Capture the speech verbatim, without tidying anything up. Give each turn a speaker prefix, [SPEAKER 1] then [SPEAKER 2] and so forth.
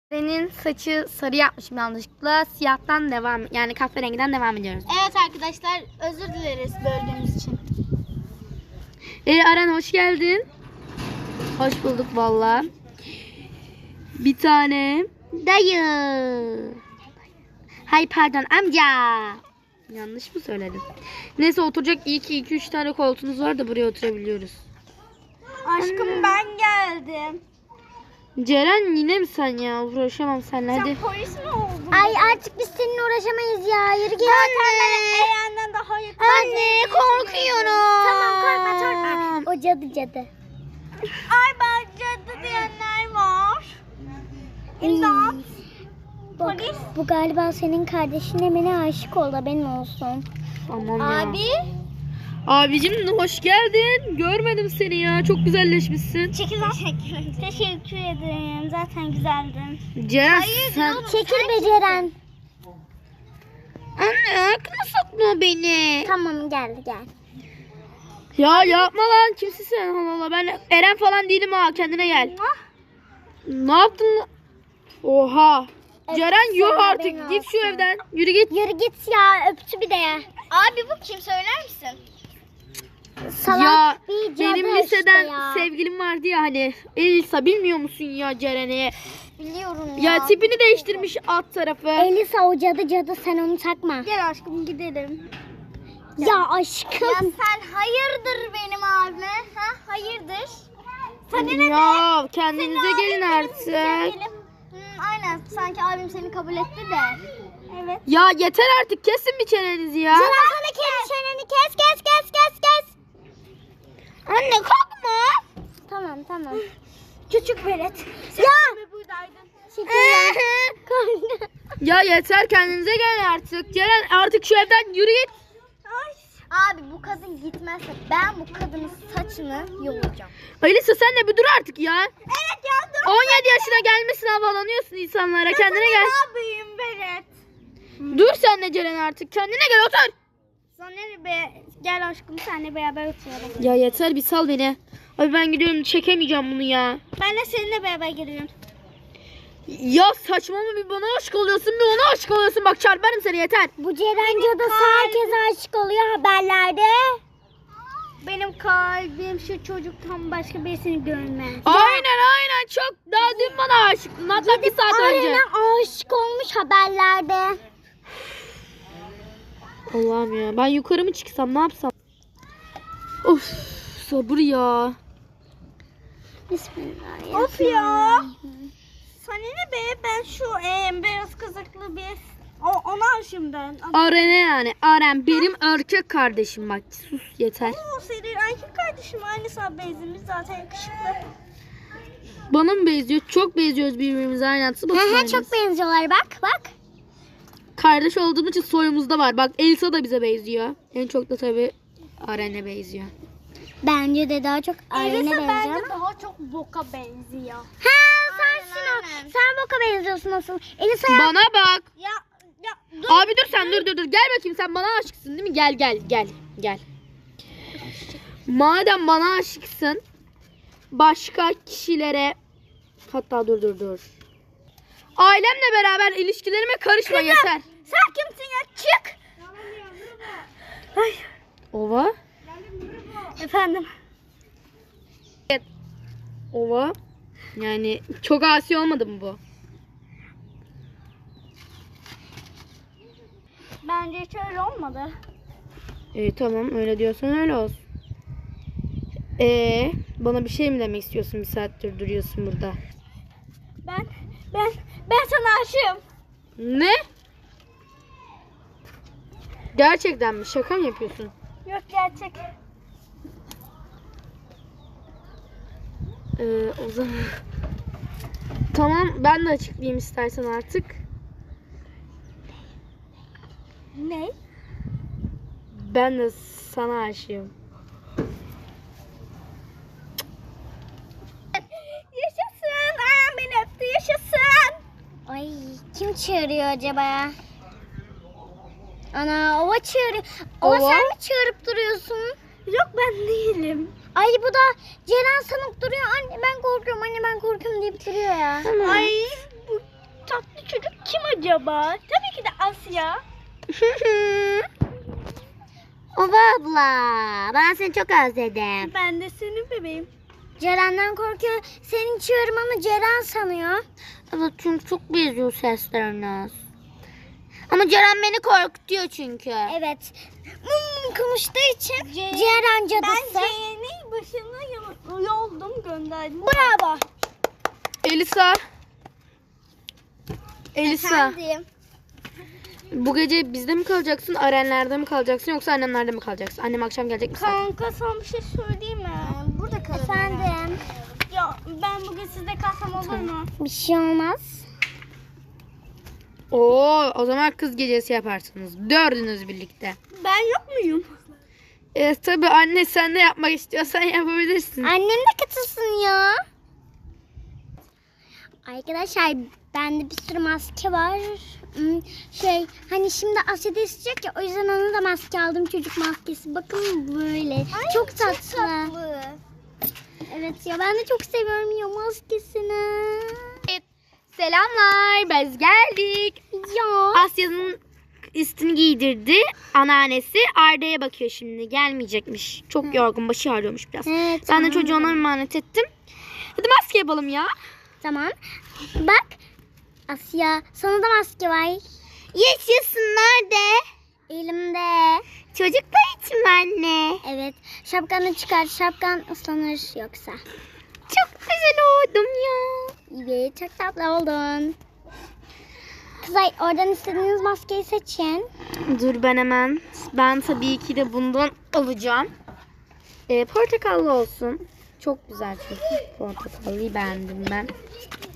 [SPEAKER 1] Senin saçı sarı yapmışım yanlışlıkla. Siyahtan devam, yani kahverengiden devam ediyoruz.
[SPEAKER 2] Evet arkadaşlar, özür dileriz böldüğümüz için.
[SPEAKER 1] Ee, Aren hoş geldin. Hoş bulduk valla. Bir tane dayı. Hay pardon amca. Yanlış mı söyledim? Neyse oturacak iyi ki iki üç tane koltuğunuz var da buraya oturabiliyoruz.
[SPEAKER 2] Aşkım ben geldim.
[SPEAKER 1] Ceren yine mi sen ya? Uğraşamam seninle hadi.
[SPEAKER 2] Sen polis mi oldun?
[SPEAKER 3] Ay artık biz seninle uğraşamayız ya. Yürü git.
[SPEAKER 2] Zaten ben Eren'den daha yakın.
[SPEAKER 1] Anne korkuyorum.
[SPEAKER 3] Tamam korkma korkma. O cadı cadı.
[SPEAKER 2] Ay ben cadı diyenler var. İmdat.
[SPEAKER 3] Bak,
[SPEAKER 2] Polis.
[SPEAKER 3] bu galiba senin kardeşin Emine aşık oldu, haberin olsun.
[SPEAKER 1] Tamam ya.
[SPEAKER 2] Abi.
[SPEAKER 1] Abicim hoş geldin. Görmedim seni ya. Çok güzelleşmişsin.
[SPEAKER 2] Çekil lan. Teşekkür, teşekkür ederim. Zaten güzeldin.
[SPEAKER 1] Ceren sen...
[SPEAKER 3] Çekil beceren.
[SPEAKER 1] Anne aklına sokma beni.
[SPEAKER 3] Tamam gel gel.
[SPEAKER 1] Ya yapma lan. Kimsin sen? Allah Allah. Ben Eren falan değilim ha. Kendine gel. Ne yaptın lan? Oha. Ceren yuh
[SPEAKER 3] sonra
[SPEAKER 1] artık.
[SPEAKER 3] beni
[SPEAKER 1] Git şu
[SPEAKER 3] alsın.
[SPEAKER 1] evden. Yürü git.
[SPEAKER 3] Yürü git ya, öptü bir de ya.
[SPEAKER 2] Abi bu kim söyler misin?
[SPEAKER 3] Salak
[SPEAKER 1] Ya
[SPEAKER 3] bir cadı
[SPEAKER 1] benim liseden
[SPEAKER 3] işte ya.
[SPEAKER 1] sevgilim vardı ya hani. Elisa bilmiyor musun ya Ceren'i?
[SPEAKER 2] Biliyorum ya.
[SPEAKER 1] Ya tipini değiştirmiş alt tarafı.
[SPEAKER 3] Elisa o cadı cadı, sen onu takma.
[SPEAKER 2] Gel aşkım gidelim.
[SPEAKER 3] Ya aşkım.
[SPEAKER 2] Ya sen hayırdır benim abime? Ha hayırdır? Sana ne be?
[SPEAKER 1] Ya kendinize
[SPEAKER 2] Senin
[SPEAKER 1] gelin
[SPEAKER 2] abin benim
[SPEAKER 1] artık.
[SPEAKER 2] sevgilim. Hmm, aynen sanki abim seni kabul etti de. Evet.
[SPEAKER 1] Ya yeter artık kesin bir çenenizi ya.
[SPEAKER 3] Ceren sana kendi çeneni kes kes kes kes kes.
[SPEAKER 1] Anne kalkma.
[SPEAKER 3] Tamam tamam.
[SPEAKER 2] Küçük velet.
[SPEAKER 3] Ya.
[SPEAKER 2] Buradaydın.
[SPEAKER 3] Şeker.
[SPEAKER 1] Ya yeter kendinize gelin artık. Ceren artık şu evden yürü git.
[SPEAKER 2] Ay. Abi bu kadın gitmezse ben bu kadının saçını yolacağım.
[SPEAKER 1] Elisa sen de bir dur artık ya.
[SPEAKER 2] Evet ya dur.
[SPEAKER 1] on yedi yaşına gelmişsin havalanıyorsun insanlara. Kendine gel.
[SPEAKER 2] Ne yapayım velet?
[SPEAKER 1] Dur sen de Ceren artık. Kendine gel otur.
[SPEAKER 2] Sonra ne be? Gel aşkım seninle beraber oturalım.
[SPEAKER 1] Ya yeter bir sal beni. Abi ben gidiyorum çekemeyeceğim bunu ya.
[SPEAKER 2] Ben de seninle beraber geliyorum.
[SPEAKER 1] Ya saçmalama bir bana aşık oluyorsun bir ona aşık oluyorsun. Bak çarparım seni yeter.
[SPEAKER 3] Bu Ceren cadısı herkese aşık oluyor haberlerde.
[SPEAKER 2] Benim kalbim şu çocuktan başka birisini görmez.
[SPEAKER 1] Aynen aynen çok daha dün bana aşıktın. Hatta bir saat önce.
[SPEAKER 3] Aynen aşık olmuş haberlerde.
[SPEAKER 1] Allah'ım ya ben yukarı mı çıksam ne yapsam? Of sabır ya.
[SPEAKER 3] Bismillahirrahmanirrahim.
[SPEAKER 2] Of ya. Sana ne be? Ben şu e, beyaz kızaklı bir o, ona aşığım ben.
[SPEAKER 1] Aren'e yani. Aren benim erkek kardeşim bak. Sus yeter.
[SPEAKER 2] O senin erkek kardeşim aynı sana benzemiz zaten yakışıklı.
[SPEAKER 1] Bana mı benziyor? Çok benziyoruz birbirimize aynen. Nasıl
[SPEAKER 3] He he
[SPEAKER 1] bakıyorsun?
[SPEAKER 3] çok benziyorlar, bak bak.
[SPEAKER 1] Kardeş olduğumuz için soyumuzda var. Bak Elsa da bize benziyor. En çok da tabii Aren'e benziyor.
[SPEAKER 3] Bence de daha çok Aren'e
[SPEAKER 2] Elisa
[SPEAKER 3] benziyor
[SPEAKER 2] bence
[SPEAKER 3] ama.
[SPEAKER 2] daha çok boka benziyor.
[SPEAKER 3] Ha sensin o.
[SPEAKER 2] aynen.
[SPEAKER 3] Sen Boka benziyorsun asıl. Elisa ya.
[SPEAKER 1] Bana bak.
[SPEAKER 2] Ya ya dur.
[SPEAKER 1] Abi dur sen dur dur dur. Gel bakayım sen bana aşıksın değil mi? Gel gel gel gel. Madem bana aşıksın başka kişilere hatta dur dur dur. Ailemle beraber ilişkilerime karışma yeter.
[SPEAKER 2] Sen kimsin ya? Çık. Ay.
[SPEAKER 1] Ova.
[SPEAKER 2] Efendim.
[SPEAKER 1] Ova. Yani çok asi olmadı mı bu?
[SPEAKER 2] Bence hiç öyle olmadı.
[SPEAKER 1] İyi tamam öyle diyorsan öyle olsun. Ee, bana bir şey mi demek istiyorsun bir saattir duruyorsun burada?
[SPEAKER 2] Ben ben ben sana aşığım.
[SPEAKER 1] Ne? Gerçekten mi? Şaka mı yapıyorsun?
[SPEAKER 2] Yok gerçek.
[SPEAKER 1] Ee, o zaman... Tamam ben de açıklayayım istersen artık.
[SPEAKER 2] Ne?
[SPEAKER 1] Ben de sana aşığım.
[SPEAKER 2] Yaşasın. Ayağım beni öptü. Yaşasın.
[SPEAKER 3] Ay kim çağırıyor acaba ya? Ana Ova çağırıyor. Ova,
[SPEAKER 1] Ova?
[SPEAKER 3] sen mi çağırıp duruyorsun?
[SPEAKER 2] Yok ben değilim.
[SPEAKER 3] Ay bu da Ceren sanıp duruyor. Anne ben korkuyorum, anne ben korkuyorum deyip duruyor ya.
[SPEAKER 1] Tamam.
[SPEAKER 2] Ay bu acaba? Tabii ki de Asya.
[SPEAKER 3] Ova abla, ben seni çok özledim.
[SPEAKER 2] Ben de senin bebeğim.
[SPEAKER 3] Ceren'den korkuyor. Seni içiyorum ama Ceren sanıyor.
[SPEAKER 1] Evet çünkü çok benziyor sesleriniz. Ama Ceren beni korkutuyor çünkü.
[SPEAKER 3] Evet. Hmm, konuştuğu için
[SPEAKER 2] Ce-
[SPEAKER 3] Ceren
[SPEAKER 2] Ben
[SPEAKER 3] cadısı.
[SPEAKER 2] C'nin başına yo- yoldum gönderdim.
[SPEAKER 3] Bravo.
[SPEAKER 1] Elisa. Elisa.
[SPEAKER 3] Efendim.
[SPEAKER 1] Bu gece bizde mi kalacaksın, Arenler'de mi kalacaksın yoksa annemlerde mi kalacaksın? Annem akşam gelecek mi?
[SPEAKER 2] Kanka sana bir şey söyleyeyim mi?
[SPEAKER 3] Burada kalın. Efendim.
[SPEAKER 2] Ya ben bugün sizde kalsam olur mu?
[SPEAKER 3] Bir şey olmaz.
[SPEAKER 1] Oo, o zaman kız gecesi yaparsınız. Dördünüz birlikte.
[SPEAKER 2] Ben yok muyum?
[SPEAKER 1] E tabi anne sen de yapmak istiyorsan yapabilirsin.
[SPEAKER 3] Annem de katılsın ya. Arkadaşlar bende bir sürü maske var. Hmm, Şey hani şimdi Asya da isteyecek ya, o yüzden ona da maske aldım, çocuk maskesi. Bakın böyle. çok tatlı. Evet ya, ben de çok seviyorum ya maskesini.
[SPEAKER 1] Selamlar, biz geldik.
[SPEAKER 3] Ya.
[SPEAKER 1] Asya'nın üstünü giydirdi. Anneannesi Arda'ya bakıyor şimdi. Gelmeyecekmiş. Çok yorgun, başı ağrıyormuş biraz.
[SPEAKER 3] Evet,
[SPEAKER 1] Ben de
[SPEAKER 3] tamam.
[SPEAKER 1] çocuğu ona emanet ettim. Hadi maske yapalım ya.
[SPEAKER 3] Tamam. Bak Asya, sana da maske var.
[SPEAKER 1] Yaşasın, nerede?
[SPEAKER 3] Elimde.
[SPEAKER 1] Çocuklar için mi anne?
[SPEAKER 3] Evet. Şapkanı çıkar. Şapkan ıslanır yoksa.
[SPEAKER 1] Çok güzel oldum ya.
[SPEAKER 3] Evet, çok tatlı oldun. Kızlar, oradan istediğiniz maskeyi seçin.
[SPEAKER 1] Dur ben hemen. Ben tabii ki de bundan alacağım. Ee, portakallı olsun. Çok güzel çünkü. Portakallıyı beğendim ben.